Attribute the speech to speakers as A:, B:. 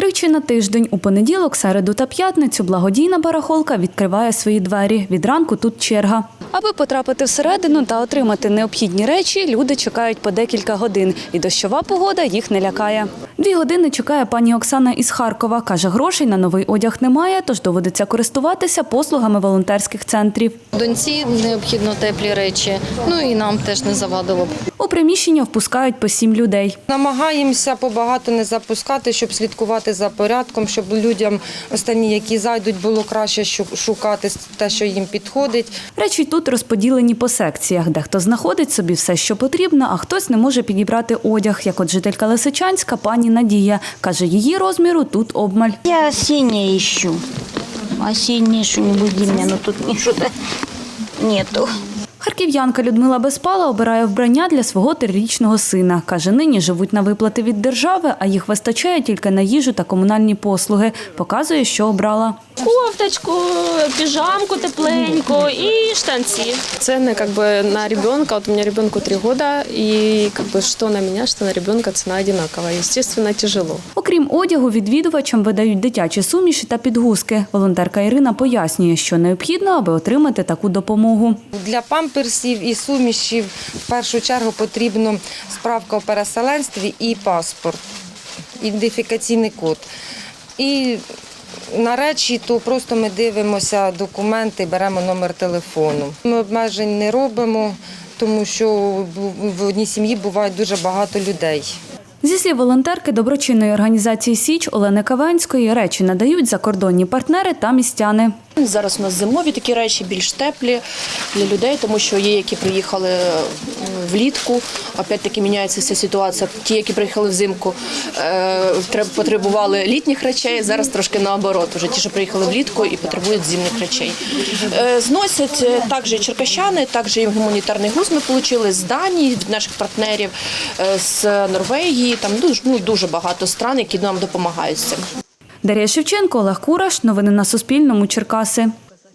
A: Тричі на тиждень, у понеділок, середу та п'ятницю, благодійна барахолка відкриває свої двері. Від ранку тут черга. Аби потрапити всередину та отримати необхідні речі, люди чекають по декілька годин. І дощова погода їх не лякає. 2 години чекає пані Оксана із Харкова. Каже, грошей на новий одяг немає, тож доводиться користуватися послугами волонтерських центрів.
B: Доньці необхідно теплі речі, і нам теж не завадило б.
A: У приміщення впускають по 7 людей.
C: Намагаємося побагато не запускати, щоб слідкувати за порядком, щоб людям останні, які зайдуть, було краще шукати те, що їм підходить.
A: Речі тут розподілені по секціях. Дехто знаходить собі все, що потрібно, а хтось не може підібрати одяг, як от жителька Лисичанська пані Надія. Каже, її розміру тут обмаль.
D: Я осеннее ищу. Осеннее что-нибудь для меня, но тут ничего-то нету.
A: Харків'янка Людмила Безпала обирає вбрання для свого 3-річного сина. Каже, нині живуть на виплати від держави, а їх вистачає тільки на їжу та комунальні послуги. Показує, що обрала.
E: Кофточку, пижамку тепленьку і штанці.
F: Цены на ребенка, вот у меня ребенку 3 года, и что на меня, что на ребенка цена одинаковая. Естественно, тяжело.
A: Окрім одягу, відвідувачам видають дитячі суміші та підгузки. Волонтерка Ірина пояснює, що необхідно, аби отримати таку допомогу.
C: Для памперсів і сумішів в першу чергу потрібна справка у переселенстві і паспорт, ідентифікаційний код. І на речі, то просто ми дивимося документи, беремо номер телефону. Ми обмежень не робимо, тому що в одній сім'ї буває дуже багато людей.
A: Зі слів волонтерки доброчинної організації «Січ» Олени Кавенської, речі надають закордонні партнери та містяни.
G: Зараз у нас зимові такі речі, більш теплі для людей, тому що є, які приїхали влітку, опять-таки міняється ця ситуація. Ті, які приїхали взимку, потребували літніх речей, зараз трошки наоборот. Уже ті, що приїхали влітку і потребують зимних речей. Зносять також і черкащани, також і гуманітарний груз ми отримали з Данії, від наших партнерів, з Норвегії. Там дуже багато стран, які нам допомагають з цим.
A: Дар'я Шевченко, Олег Кураш. Новини на Суспільному. Черкаси.